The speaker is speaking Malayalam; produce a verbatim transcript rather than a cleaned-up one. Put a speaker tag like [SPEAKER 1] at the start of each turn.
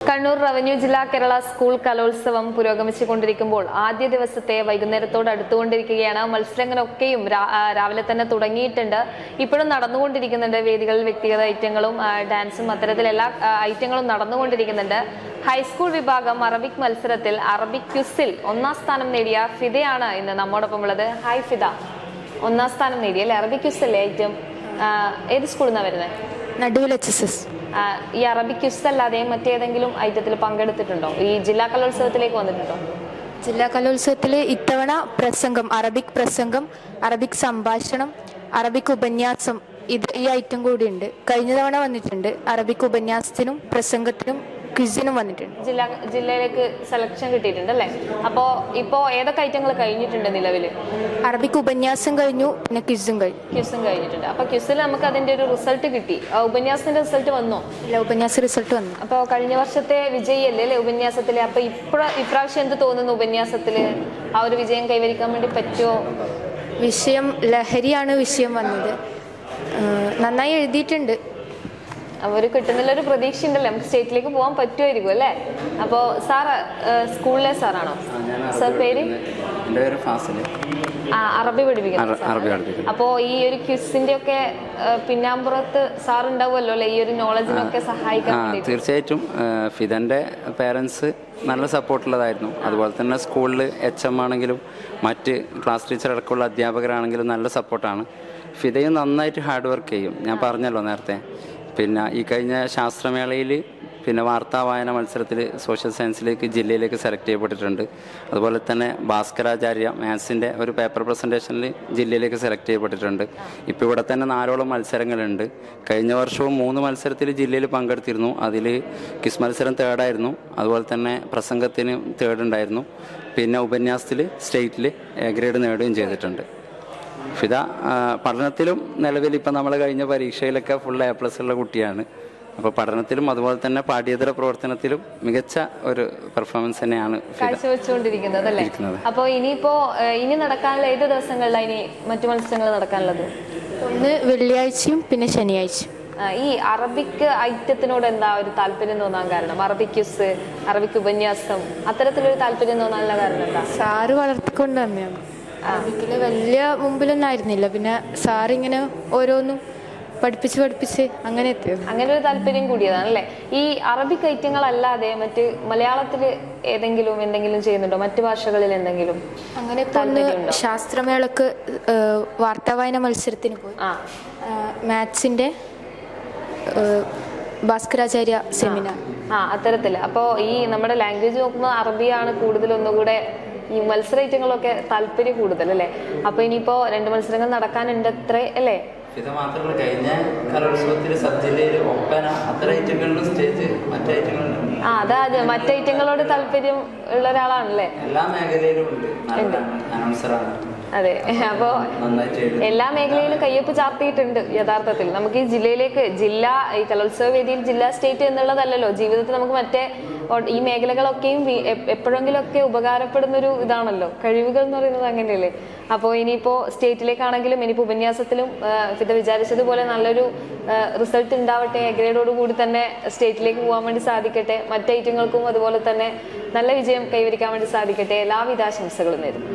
[SPEAKER 1] കണ്ണൂർ റവന്യൂ ജില്ലാ കേരള സ്കൂൾ കലോത്സവം പുരോഗമിച്ചുകൊണ്ടിരിക്കുമ്പോൾ ആദ്യ ദിവസത്തെ വൈകുന്നേരത്തോട് അടുത്തുകൊണ്ടിരിക്കുകയാണ്. മത്സരങ്ങളൊക്കെയും രാവിലെ തന്നെ തുടങ്ങിയിട്ടുണ്ട്, ഇപ്പോഴും നടന്നുകൊണ്ടിരിക്കുന്നുണ്ട്. വേദികളിൽ വ്യക്തിഗത ഐറ്റങ്ങളും ഡാൻസും അത്തരത്തിലെല്ലാ ഐറ്റങ്ങളും നടന്നുകൊണ്ടിരിക്കുന്നുണ്ട്. ഹൈസ്കൂൾ വിഭാഗം അറബിക് മത്സരത്തിൽ അറബിക് ക്വിസിൽ ഒന്നാം സ്ഥാനം നേടിയ ഫിദയാണ് ഇന്ന് നമ്മോടൊപ്പം ഉള്ളത്. ഹായ് ഫിദ, ഒന്നാം സ്ഥാനം നേടിയ അല്ലെ അറബിക് ക്വിസല്ലേ ഐറ്റം? ഏത് സ്കൂളിൽ നിന്നാണ് വരുന്നത്?
[SPEAKER 2] നടുവിൽ എച്ച് എസ് എസ്.
[SPEAKER 1] ഈ അറബിക് ക്വിസ് അല്ലാതെ മറ്റേതെങ്കിലും ഐറ്റത്തിൽ പങ്കെടുത്തിട്ടുണ്ടോ? ഈ ജില്ലാ കലോത്സവത്തിലേക്ക് വന്നിട്ടുണ്ടോ?
[SPEAKER 2] ജില്ലാ കലോത്സവത്തിൽ ഇത്തവണ പ്രസംഗം, അറബിക് പ്രസംഗം, അറബിക് സംഭാഷണം, അറബിക് ഉപന്യാസം, ഇത് ഈ ഐറ്റം കൂടി ഉണ്ട്. കഴിഞ്ഞ തവണ വന്നിട്ടുണ്ട്. അറബിക് ഉപന്യാസത്തിനും പ്രസംഗത്തിനും ക്വിസിനും വന്നിട്ടുണ്ട്.
[SPEAKER 1] ജില്ലാ ജില്ലയിലേക്ക് സെലക്ഷൻ കിട്ടിയിട്ടുണ്ട് അല്ലേ? അപ്പോൾ ഇപ്പോൾ ഏതൊക്കെ ഐറ്റങ്ങൾ കഴിഞ്ഞിട്ടുണ്ട് നിലവിൽ?
[SPEAKER 2] അറബിക് ഉപന്യാസം കഴിഞ്ഞു, പിന്നെ ക്വിസും കഴിഞ്ഞു.
[SPEAKER 1] ക്വിസും കഴിഞ്ഞിട്ടുണ്ട്. അപ്പോൾ ക്വിസിൽ നമുക്ക് അതിൻ്റെ ഒരു റിസൾട്ട് കിട്ടി. ഉപന്യാസത്തിന്റെ റിസൾട്ട് വന്നോ?
[SPEAKER 2] ഇല്ല, ഉപന്യാസ റിസൾട്ട് വന്നു.
[SPEAKER 1] അപ്പോൾ കഴിഞ്ഞ വർഷത്തെ വിജയല്ലേ അല്ലേ ഉപന്യാസത്തില്? അപ്പോൾ ഇപ്ര ഇപ്രാവശ്യം എന്ത് തോന്നുന്നു? ഉപന്യാസത്തിൽ ആ ഒരു വിജയം കൈവരിക്കാൻ വേണ്ടി പറ്റുമോ?
[SPEAKER 2] വിഷയം ലഹരിയാണ് വിഷയം വന്നത്. നന്നായി എഴുതിയിട്ടുണ്ട്.
[SPEAKER 1] അവർ കിട്ടുന്നില്ലൊരു പ്രതീക്ഷ ഉണ്ടല്ലോ, നമുക്ക് സ്റ്റേറ്റിലേക്ക് പോകാൻ പറ്റുമായിരിക്കും അല്ലേ? അപ്പോൾ സാറ് സ്കൂളിലെ സാറാണോ? സാർ പേര്? ആ, അറബി പഠിപ്പിക്കുന്നു. അപ്പോൾ ഈ ഒരു ക്വിസിന്റെ ഒക്കെ പിന്നാമ്പുറത്ത് സാർ ഉണ്ടാവുമല്ലോ അല്ലെ, ഈ ഒരു നോളജിനൊക്കെ സഹായിക്കാൻ?
[SPEAKER 3] തീർച്ചയായിട്ടും. ഫിദന്റെ പേരൻസ് നല്ല സപ്പോർട്ടുള്ളതായിരുന്നു. അതുപോലെ തന്നെ സ്കൂളിൽ എച്ച് എം ആണെങ്കിലും മറ്റ് ക്ലാസ് ടീച്ചർ അടക്കമുള്ള അധ്യാപകരാണെങ്കിലും നല്ല സപ്പോർട്ടാണ്. ഫിദയും നന്നായിട്ട് ഹാർഡ് വർക്ക് ചെയ്യും. ഞാൻ പറഞ്ഞല്ലോ നേരത്തെ. പിന്നെ ഈ കഴിഞ്ഞ ശാസ്ത്രമേളയിൽ പിന്നെ വാർത്താ വായന മത്സരത്തിൽ സോഷ്യൽ സയൻസിലേക്ക് ജില്ലയിലേക്ക് സെലക്ട് ചെയ്യപ്പെട്ടിട്ടുണ്ട്. അതുപോലെ തന്നെ ഭാസ്കരാചാര്യ മാത്സിൻ്റെ ഒരു പേപ്പർ പ്രസൻറ്റേഷനിൽ ജില്ലയിലേക്ക് സെലക്ട് ചെയ്യപ്പെട്ടിട്ടുണ്ട്. ഇപ്പോൾ ഇവിടെ തന്നെ നാലോളം മത്സരങ്ങളുണ്ട്. കഴിഞ്ഞ വർഷവും മൂന്ന് മത്സരത്തിൽ ജില്ലയിൽ പങ്കെടുത്തിരുന്നു. അതിൽ ക്വിസ് മത്സരം തേർഡായിരുന്നു. അതുപോലെ തന്നെ പ്രസംഗത്തിന് തേർഡ് ഉണ്ടായിരുന്നു. പിന്നെ ഉപന്യാസത്തിൽ സ്റ്റേറ്റിൽ എ ഗ്രേഡ് നേടുകയും ചെയ്തിട്ടുണ്ട്. ഫിദ പഠനത്തിലും നിലവിൽ ഇപ്പം നമ്മൾ കഴിഞ്ഞ പരീക്ഷയിലൊക്കെ ഫുൾ എ പ്ലസ് ഉള്ള കുട്ടിയാണ്. അപ്പോൾ പഠനത്തിലും അതുപോലെ തന്നെ പാഠ്യേതര പ്രവർത്തനത്തിലും മികച്ച ഒരു പെർഫോമൻസ് തന്നെയാണ്
[SPEAKER 1] കാഴ്ചവെച്ചുകൊണ്ടിരിക്കുന്നത് അല്ലേ? അപ്പോൾ ഇനിയിപ്പോൾ ഇനി നടക്കാനുള്ള ഏത് ദിവസങ്ങളിലാണ് ഇനി മറ്റു മത്സരങ്ങൾ നടക്കാനുള്ളത്?
[SPEAKER 2] ഒന്ന് വെള്ളിയാഴ്ചയും പിന്നെ ശനിയാഴ്ചയും.
[SPEAKER 1] ഈ അറബിക് ഐറ്റത്തിനോട് എന്താ ഒരു താല്പര്യം തോന്നാൻ കാരണം? അറബിക് ക്വിസ്, അറബിക് ഉപന്യാസം, അത്തരത്തിലൊരു താല്പര്യം തോന്നാനുള്ള കാരണം എന്താ?
[SPEAKER 2] സാറ് വളർത്തിക്കൊണ്ട് തന്നെയാണ്. അറബിക്കിൽ വലിയ മുമ്പിലൊന്നും ആയിരുന്നില്ല. പിന്നെ സാറിങ്ങനെ ഓരോന്നും പഠിപ്പിച്ച് പഠിപ്പിച്ച് അങ്ങനെ എത്തിയത്.
[SPEAKER 1] അങ്ങനെ ഒരു താല്പര്യം കൂടിയതാണല്ലേ? ഈ അറബിക് ഐറ്റങ്ങളല്ലാതെ മറ്റ് മലയാളത്തിൽ ഏതെങ്കിലും എന്തെങ്കിലും ചെയ്യുന്നുണ്ടോ? മറ്റു ഭാഷകളിൽ എന്തെങ്കിലും?
[SPEAKER 2] അങ്ങനെ ശാസ്ത്രമേളക്ക് വാർത്താ വായന മത്സരത്തിന് പോയി. മാത്സിന്റെ ഭാസ്കരാചാര്യ സെമിനാർ.
[SPEAKER 1] ആ, അത്തരത്തിൽ. അപ്പോൾ ഈ നമ്മുടെ ലാംഗ്വേജ് നോക്കുമ്പോൾ അറബിയാണ് കൂടുതൽ ഒന്നുകൂടെ ഈ മത്സര ഐറ്റങ്ങളൊക്കെ താല്പര്യം കൂടുതൽ അല്ലേ? അപ്പൊ ഇനിയിപ്പോ രണ്ട് മത്സരങ്ങൾ നടക്കാനുണ്ട് അത്ര അല്ലേ?
[SPEAKER 3] ഇത് മാത്രമല്ല, കഴിഞ്ഞ കലോത്സവത്തിൽ സബ് ജില്ലയിൽ ഒപ്പന അത്തരം ഐറ്റങ്ങളിലും സ്റ്റേജ് മറ്റു ഐറ്റങ്ങളുണ്ട്.
[SPEAKER 1] ആ, അതാ മറ്റു ഐറ്റങ്ങളോട് താല്പര്യം ഉള്ള ഒരാളാണല്ലേ?
[SPEAKER 3] എല്ലാ മേഖലയിലും ഉണ്ട്. അനൗൺസറാണ്.
[SPEAKER 1] അതെ. അപ്പോ എല്ലാ മേഖലയിലും കയ്യൊപ്പ് ചാർത്തിയിട്ടുണ്ട് യഥാർത്ഥത്തിൽ. നമുക്ക് ഈ ജില്ലയിലേക്ക്, ജില്ല ഈ കലോത്സവ വേദിയിൽ ജില്ലാ സ്റ്റേറ്റ് എന്നുള്ളതല്ലല്ലോ ജീവിതത്തിൽ നമുക്ക് മറ്റേ ഈ മേഖലകളൊക്കെയും എപ്പോഴെങ്കിലും ഒക്കെ ഉപകാരപ്പെടുന്നൊരു ഇതാണല്ലോ കഴിവുകൾ എന്ന് പറയുന്നത്, അങ്ങനെയല്ലേ? അപ്പോൾ ഇനിയിപ്പോൾ സ്റ്റേറ്റിലേക്കാണെങ്കിലും ഇനിയിപ്പോൾ ഉപന്യാസത്തിലും ഫിദ വിചാരിച്ചതുപോലെ നല്ലൊരു റിസൾട്ട് ഉണ്ടാവട്ടെ. എ ഗ്രേഡോട് കൂടി തന്നെ സ്റ്റേറ്റിലേക്ക് പോകാൻ വേണ്ടി സാധിക്കട്ടെ. മറ്റ് ഐറ്റങ്ങൾക്കും അതുപോലെ തന്നെ നല്ല വിജയം കൈവരിക്കാൻ വേണ്ടി സാധിക്കട്ടെ. എല്ലാവിധ ആശംസകളും നേരുന്നു.